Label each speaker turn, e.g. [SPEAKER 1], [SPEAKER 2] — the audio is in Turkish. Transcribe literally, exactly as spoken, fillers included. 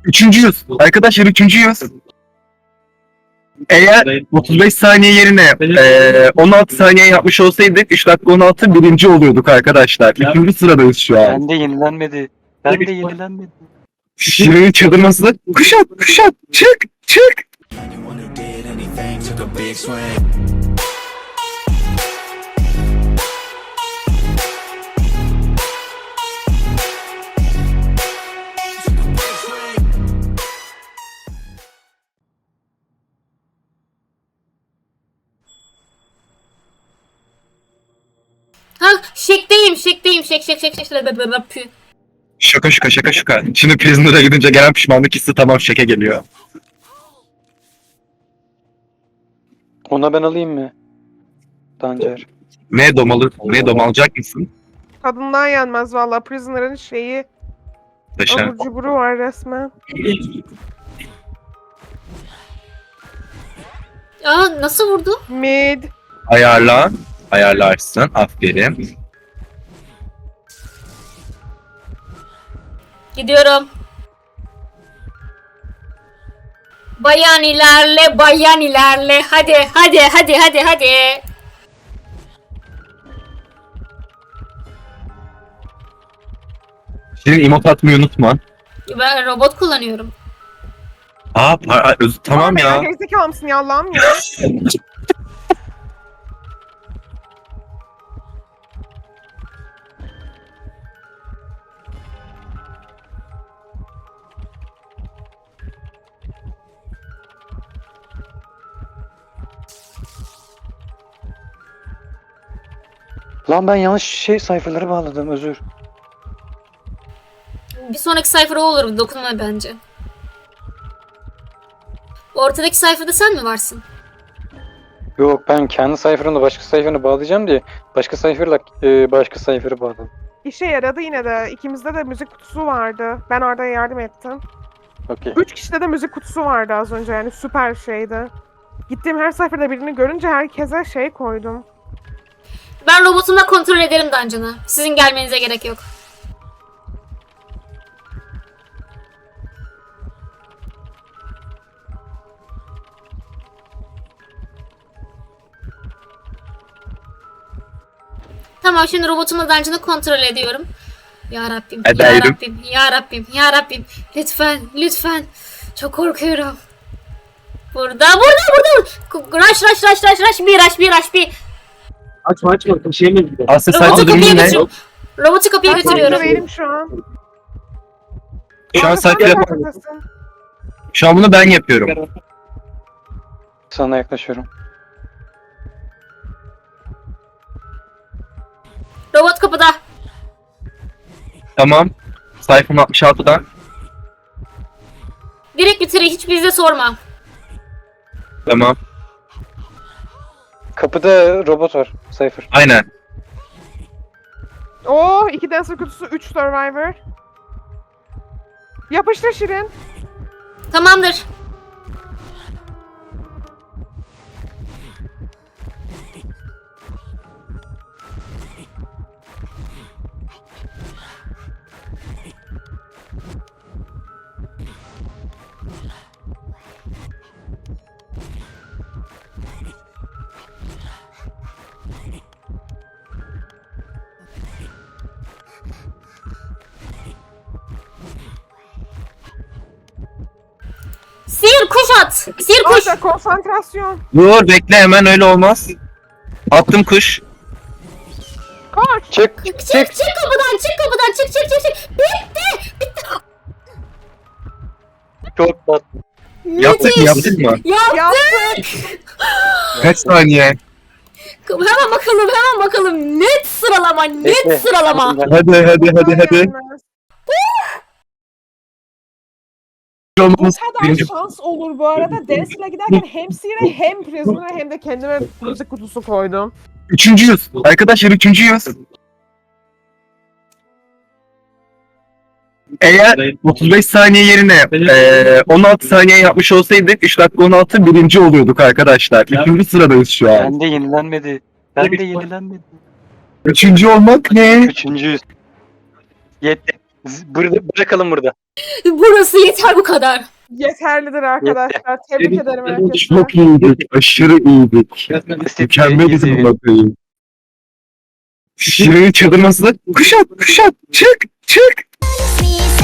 [SPEAKER 1] Üçüncüyüz. Arkadaşlar üçüncüyüz. Eğer otuz beş saniye yerine e, on altı saniye yapmış olsaydık üç dakika on altı birinci oluyorduk arkadaşlar. Üçüncü sıradayız şu an.
[SPEAKER 2] Ben de yenilenmedi. Ben de yenilenmedi.
[SPEAKER 1] Şirin'in çıldırması. Kuşat, kuşat, çık, çık.
[SPEAKER 3] Anyone who did anything took a big swing.
[SPEAKER 4] Ha şekteyim şekteyim şek şek şek şek şek pü.
[SPEAKER 1] Şaka şaka şaka şaka. Şimdi Prisoner'a gidince gelen pişmanlık hissi tamam şeke geliyor.
[SPEAKER 2] Ona ben alayım mı? Dancer.
[SPEAKER 1] Ne domalı, ne domalacak mısın?
[SPEAKER 5] Tadından yenmez valla. Prisoner'ın şeyi
[SPEAKER 1] Taşa.
[SPEAKER 5] abur cuburu var resmen.
[SPEAKER 4] Aa nasıl vurdu?
[SPEAKER 5] Mid.
[SPEAKER 1] Ayarla. Ayarlarsın. Aferin.
[SPEAKER 4] Gidiyorum. Bayan ilerle, bayan ilerle. Hadi, hadi, hadi, hadi, hadi.
[SPEAKER 1] Şirin emot atmayı unutma.
[SPEAKER 4] Ben robot kullanıyorum.
[SPEAKER 1] Aa par- öz- tamam ya.
[SPEAKER 5] Gerizekalı mısın ya Allah'ım ya?
[SPEAKER 2] Lan ben yanlış şey sayfaları bağladım, özür.
[SPEAKER 4] Bir sonraki sayfada olur, dokunma bence. Ortadaki sayfada sen mi varsın?
[SPEAKER 2] Yok, ben kendi sayfamda başka sayfanı bağlayacağım diye başka sayfayla e, başka sayfayı bağladım.
[SPEAKER 5] İşe yaradı yine de. İkimizde de müzik kutusu vardı. Ben Arda'ya yardım ettim.
[SPEAKER 2] Okey.
[SPEAKER 5] Üç kişide de müzik kutusu vardı az önce, yani süper şeydi. Gittiğim her sayfada birini görünce herkese şey koydum.
[SPEAKER 4] Ben robotumla kontrol ederim dungeon'ı. Sizin gelmenize gerek yok. Tamam, şimdi robotumla dungeon'ı kontrol ediyorum. Ya Rabbim, ya
[SPEAKER 1] Ederim.
[SPEAKER 4] Rabbim, ya Rabbim, ya Rabbim. Lütfen, lütfen. Çok korkuyorum. Burada, burada, burada. Rush, rush, rush, rush, rush. Bir, rush, bir, rush, bir.
[SPEAKER 6] Açma açma bir şey mi gidiyor?
[SPEAKER 1] Aslında
[SPEAKER 4] Robotu
[SPEAKER 1] sadece
[SPEAKER 4] kapıya
[SPEAKER 1] durumu ne?
[SPEAKER 4] götürüyorum. Robotu kapıya
[SPEAKER 5] Ben
[SPEAKER 4] götürüyorum.
[SPEAKER 5] sayfa değilim şu an.
[SPEAKER 1] Şu an
[SPEAKER 5] Arda, sen
[SPEAKER 1] sayfa yap-
[SPEAKER 5] sayfadasın.
[SPEAKER 1] Şu an bunu ben yapıyorum.
[SPEAKER 2] Sana yaklaşıyorum.
[SPEAKER 4] Robot kapıda.
[SPEAKER 1] Tamam. Sayfam altmış altıda.
[SPEAKER 4] Direkt bitir, hiç bize sorma.
[SPEAKER 1] Tamam.
[SPEAKER 2] Kapıda robot var, Cypher.
[SPEAKER 1] Aynen.
[SPEAKER 5] Oo, iki dancer kutusu, üç survivor. Yapıştır Şirin.
[SPEAKER 4] Tamamdır. Sihir kuşat. Sihir kuş.
[SPEAKER 5] Arda konsantrasyon.
[SPEAKER 1] Dur bekle, hemen öyle olmaz. Attım kuş.
[SPEAKER 5] Koş.
[SPEAKER 2] Çık,
[SPEAKER 4] Çık
[SPEAKER 2] çık.
[SPEAKER 4] çık kapıdan, çık kapıdan, çık çık çık çık. Bitti. Bitti.
[SPEAKER 2] Çok tatlı.
[SPEAKER 1] Yaptık mı
[SPEAKER 4] Müthiş.
[SPEAKER 1] yaptık mı?
[SPEAKER 4] Yaptık.
[SPEAKER 1] Kaç saniye?
[SPEAKER 4] Hemen bakalım, hemen bakalım. Net sıralama, net
[SPEAKER 2] Bekle.
[SPEAKER 4] sıralama.
[SPEAKER 1] Hadi hadi hadi hadi.
[SPEAKER 5] Gelmez.
[SPEAKER 1] Olmamız
[SPEAKER 5] Bu kadar
[SPEAKER 1] birinci.
[SPEAKER 5] şans olur bu arada. Dance'la giderken hem Sire hem Prisoner'a hem de kendime müzik kutusu koydum.
[SPEAKER 1] Üçüncüyüz. Arkadaşlar üçüncüyüz. Eğer otuz beş saniye yerine e, on altı saniye yapmış olsaydık üç dakika on altı birinci oluyorduk arkadaşlar. Üçüncü sıradayız şu an.
[SPEAKER 2] Ben de yenilenmedi. Ben de yenilenmedi.
[SPEAKER 1] Üçüncü olmak ne?
[SPEAKER 2] Üçüncüyüz. Yetti. Z- Burada bırakalım burada.
[SPEAKER 4] Burası yeter bu kadar.
[SPEAKER 5] Yeterlidir arkadaşlar. Tebrik ederim herkese.
[SPEAKER 1] Çok iyiydik. Aşırı iyiydik. Mükemmeliz bu bakayım. Şirin çadırması da kuşat kuşat çık çık.
[SPEAKER 7] me